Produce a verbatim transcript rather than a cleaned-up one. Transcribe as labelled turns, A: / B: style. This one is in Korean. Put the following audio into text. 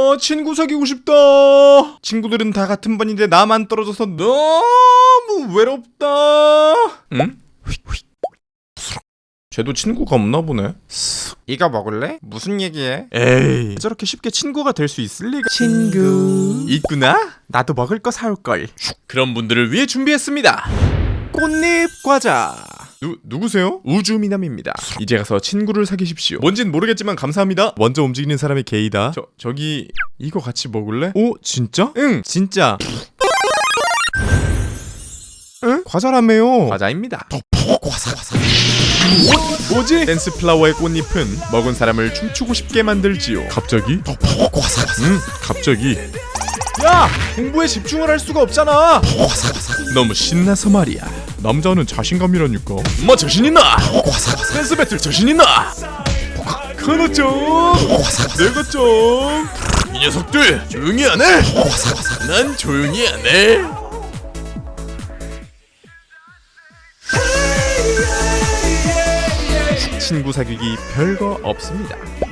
A: 아, 친구 사귀고 싶다. 친구들은 다 같은 반인데 나만 떨어져서 너무 외롭다. 응? 쟤도 친구가 없나 보네. 이거 먹을래? 무슨 얘기해? 에이, 저렇게 쉽게 친구가 될 수 있을 리가. 친구 있구나? 나도 먹을 거 사올걸. 그런 분들을 위해 준비했습니다. 꽃잎 과자. 누, 누구세요? 우주미남입니다. 이제 가서 친구를 사귀십시오. 뭔진 모르겠지만 감사합니다. 먼저 움직이는 사람이 게이다. 저, 저기 이거 같이 먹을래? 오, 진짜? 응, 진짜. 응? 과자라며요. 과자입니다. 과자 과자. 뭐, 뭐지? 댄스 플라워의 꽃잎은 먹은 사람을 춤추고 싶게 만들지요. 갑자기? 과자 과자. 응, 갑자기. 야! 공부에 집중을 할 수가 없잖아. 너무 신나서 말이야. 남자는 자신감이라니까. 뭐 자신있나? 댄스 배틀 자신있나? 카노 좀 내가 좀. 이 녀석들 조용히 안 해? 난 조용히 안 해. 친구 사귀기 별거 없습니다.